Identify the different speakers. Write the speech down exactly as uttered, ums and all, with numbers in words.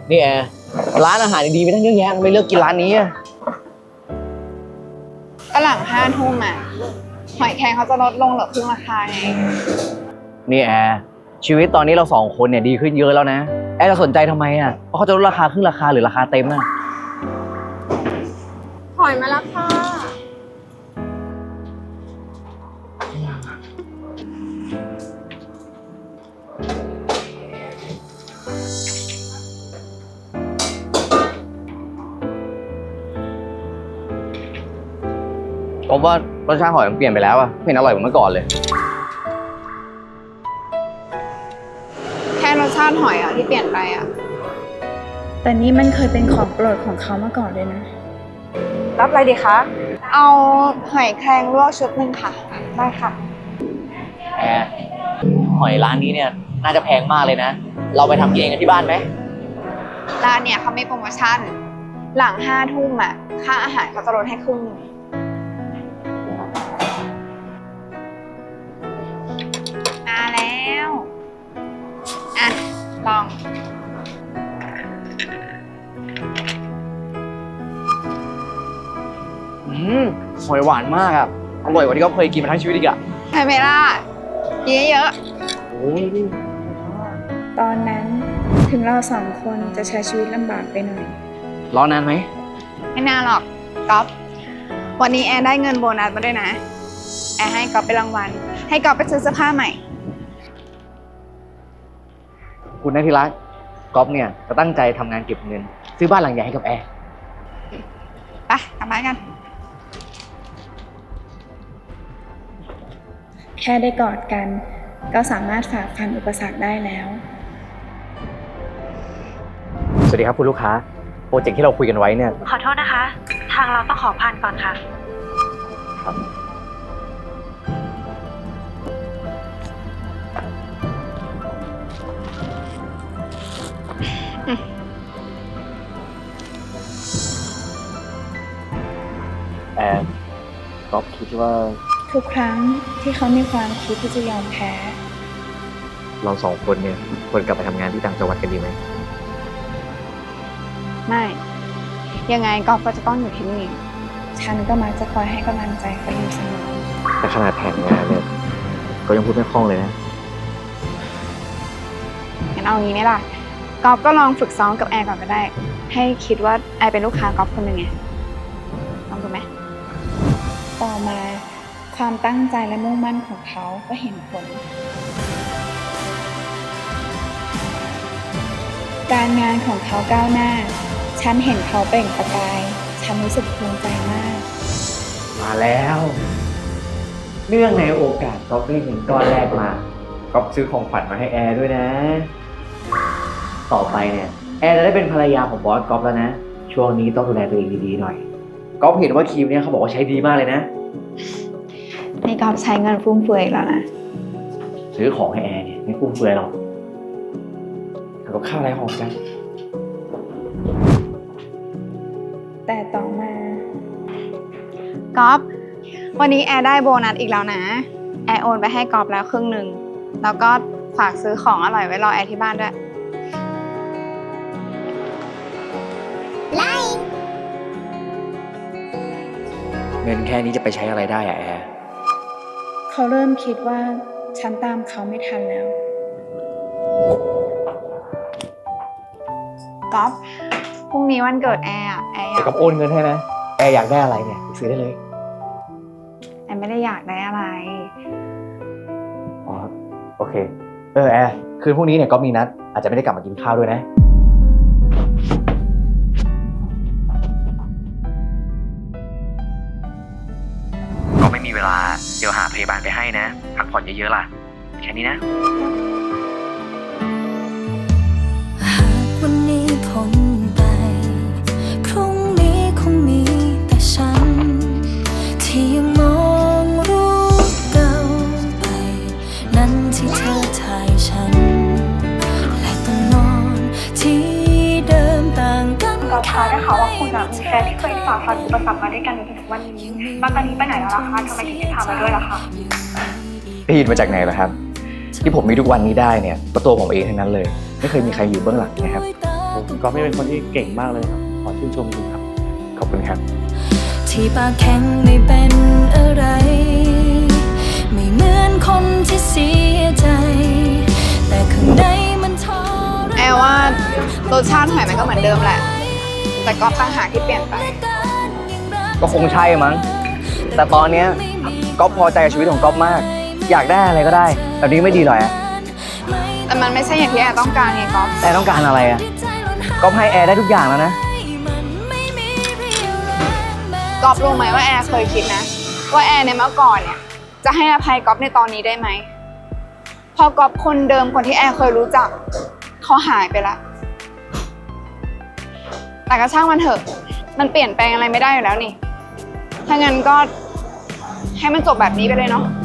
Speaker 1: นี่แอร์ร้านอาหารดีๆมีตั้งเยอะแยะไม่เลือกกินร้านนี้อ่ะ
Speaker 2: ก็หลังห้าทุ่มอ่ะหอยแครงเขาจะลดลงเหลือครึ่งราคาไง
Speaker 1: นี่แอร์ชีวิตตอนนี้เราสองคนเนี่ยดีขึ้นเยอะแล้วนะแอร์จะสนใจทำไมอ่ะเพราะเขาจะลดราคาครึ่งราคาหรือราคาเต็มอ่ะ
Speaker 2: หอยมาแล้วค่ะ
Speaker 1: ผมว่ารสชาติหอยมันเปลี่ยนไปแล้วอ่ะไม่เห็นอร่อยเหมือนเมื่อก่อนเลย
Speaker 2: แค่รสชาติหอยอ่ะที่เปลี่ยนไปอ่ะ
Speaker 3: แต่นี่มันเคยเป็นของโปรดของเขามาก่อนเลยนะ
Speaker 2: รับอะไรดีคะเอาหอยแครงลวกชุดหนึ่งค่ะได้ค่ะ
Speaker 1: แอร์หอยร้านนี้เนี่ยน่าจะแพงมากเลยนะเราไปทำกินเองกันที่บ้านไหม
Speaker 2: ร้านเนี่ยเขามีโปรโมชั่นหลังห้าทุ่มอ่ะค่าอาหารเขาจะลดให้ครึ่งนึงมาแล้วอ่ะลอง
Speaker 1: อืมหอยหวานมากอ่ะอร่อยกว่าที่เขาเคยกินมาทั้งชีวิตอีกอ่ะ
Speaker 2: ไฮเมล่ากินเยอะ
Speaker 1: โอ้ย
Speaker 3: ตอนนั้นถึงเราสองคนจะใช้ชีวิตลำบากไปหน่อย
Speaker 1: รอนานไหม
Speaker 2: ไม่นานหรอกก๊อฟวันนี้แอนได้เงินโบนัสมาด้วยนะแอนให้ก๊อฟไปรางวัลให้ก๊อฟไปซื้อเสื้อผ้าใหม่
Speaker 1: คุณนัทธิรักก๊อฟเนี่ยจะตั้งใจทำงานเก็บเงินซื้อบ้านหลังใหญ่ให้กับแอร์
Speaker 2: ไปกลับบ้านกัน
Speaker 3: แค่ได้กอดกันก็สามารถฝ่าฟันอุปสรรคได้แล้ว
Speaker 1: สวัสดีครับคุณลูกค้าโปรเจกต์ที่เราคุยกันไว้เนี่ย
Speaker 4: ขอโทษนะคะทางเราต้องขอผ่านก่อนค่ะ
Speaker 1: ครับแอนก๊อฟคิดว่า
Speaker 3: ทุกครั้งที่เขามีความคิดที่จะยอมแพ้
Speaker 1: เราสองคนเนี่ยควรกลับไปทำงานที่ต่างจังหวัดกันดีไหม
Speaker 2: ไม่ยังไงก๊อฟก็จะต้องอยู่ที่นี่
Speaker 3: ฉันก็มักจะคอยให้กำลังใจเขาอยู่เสมอ
Speaker 1: แต่ขนาดแผนงานเนี่ยก็ยังพูดไม่คล่องเลยนะ
Speaker 2: งั้นเอางี้ไหมล่ะก๊อฟก็ลองฝึกซ้อมกับแอร์ก่อนก็ได้ให้คิดว่าแอร์เป็นลูกค้าก๊อฟคนหนึ่งไงลองดูไหม
Speaker 3: ต่อมาความตั้งใจและมุ่งมั่นของเขาก็เห็นผลการงานของเขาก้าวหน้าฉันเห็นเขาเปล่งประกายฉันรู้สึกภูมิใจมาก
Speaker 1: มาแล้วเนื่องในโอกาสก๊อฟได้เงินก้อนแรกมาก๊อฟซื้อของขวัญมาให้แอร์ด้วยนะต่อไปเนี่ยแอร์จะได้เป็นภรรยาของบอสก๊อฟแล้วนะช่วงนี้ต้องดูแลตัวเองดีๆหน่อยก๊อฟเห็นว่าครีมเนี่ยเขาบอกว่าใช้ดีมากเลยนะ
Speaker 2: นี่ก๊อฟใช้เงินฟุ่มเฟือยแล้วนะ
Speaker 1: ซื้อของให้แอร์เนี่ยไม่ฟุ่มเฟือยหรอกทำกับข้าวอะไรหอมจัง
Speaker 3: แต่ต่อมา
Speaker 2: ก๊อฟวันนี้แอร์ได้โบนัสอีกแล้วนะแอร์โอนไปให้ก๊อฟแล้วครึ่งหนึ่งแล้วก็ฝากซื้อของอร่อยไว้รอแอร์ที่บ้านด้วยไล่
Speaker 1: เงินแค่นี้จะไปใช้อะไรได้อะแอร์
Speaker 3: เขาเริ่มคิดว่าฉันตามเขาไม่ทันแล้ว
Speaker 2: ก๊อฟพรุ่งนี้วันเกิดแอร์อะแอร์อยาก
Speaker 1: ก๊อฟโอนเงินให้นะแอร์อยากได้อะไรเนี่ยซื้อได้เลย
Speaker 2: แอร์ไม่ได้อยากได้อะไร
Speaker 1: อ๋อโอเคเออแอร์คืนพรุ่งนี้เนี่ยก๊อฟมีนัดอาจจะไม่ได้กลับมากินข้าวด้วยนะก็ไม่มีเวลาเดี๋ยวหาพยาบาลไปให้นะพักผ่อนเยอะๆล่ะแค่นี้นะ
Speaker 4: วันนี้พ้นไปพรุ่งนี้คงมีแต่ฉันที่ยังมองรูปเก่าไปนั้นที่เธอถ่ายฉันและต้องนอนที่เดิมต่างกัน
Speaker 5: ก๊อฟคะได้ข่าวว่าคุณอะมีแฟนที่เคยฝ่าฟันอุปสรรคมาด้วยกันจนถึงวันนี้แล้วตอนนี้ไปไหนแล้วล่ะคะทำไมถึงไม่พามาด้วยล่ะคะ
Speaker 1: ได้ยินมาจากไหนล่ะครับที่ผมมีทุกวันนี้ได้เนี่ยก็ตัวผมเองทั้งนั้นเลยไม่เคยมีใครอยู่เบื้องหลังนะครับ
Speaker 6: คุณก๊อฟนี่เป็นคนที่เก่งมากเลยครับขอชื่นชมคุณครับขอบคุณครับ
Speaker 4: ที่ปากแข็งไม่เป็นอะไร ไม่เหมือนคนที่เสียใจ แต่ข้างในมันทร
Speaker 2: แอลว่ารสชาติหอยมันก็เหมือนเดิมแหละ แต่ก๊อฟต่างหากที่เปลี่ยนไป
Speaker 1: ก็คงใช่มั้ง แต่ตอนเนี้ยก๊อฟพอใจกับชีวิตของก๊อฟมาก อยากได้อะไรก็ได้แบบนี้ไม่ดีหรอแอร์
Speaker 2: แต่มันไม่ใช่อย่างที่แอร์ต้องการไงก๊อฟ
Speaker 1: แอร์ต้องการอะไรอะก๊อฟให้แอร์ได้ทุกอย่างแล้วนะ
Speaker 2: ก๊อฟรู้ไหมว่าแอร์เคยคิดนะ ว่าแอร์ในเมื่อก่อนเนี่ย จะให้อภัยก๊อฟในตอนนี้ได้ไหม พอก๊อฟคนเดิมคนที่แอร์เคยรู้จักเขาหายไปละ แต่ก็ช่างมันเถอะ มันเปลี่ยนแปลงอะไรไม่ได้อยู่แล้วนี่ ถ้างั้นก็ให้มันจบแบบนี้ไปเลยเนาะ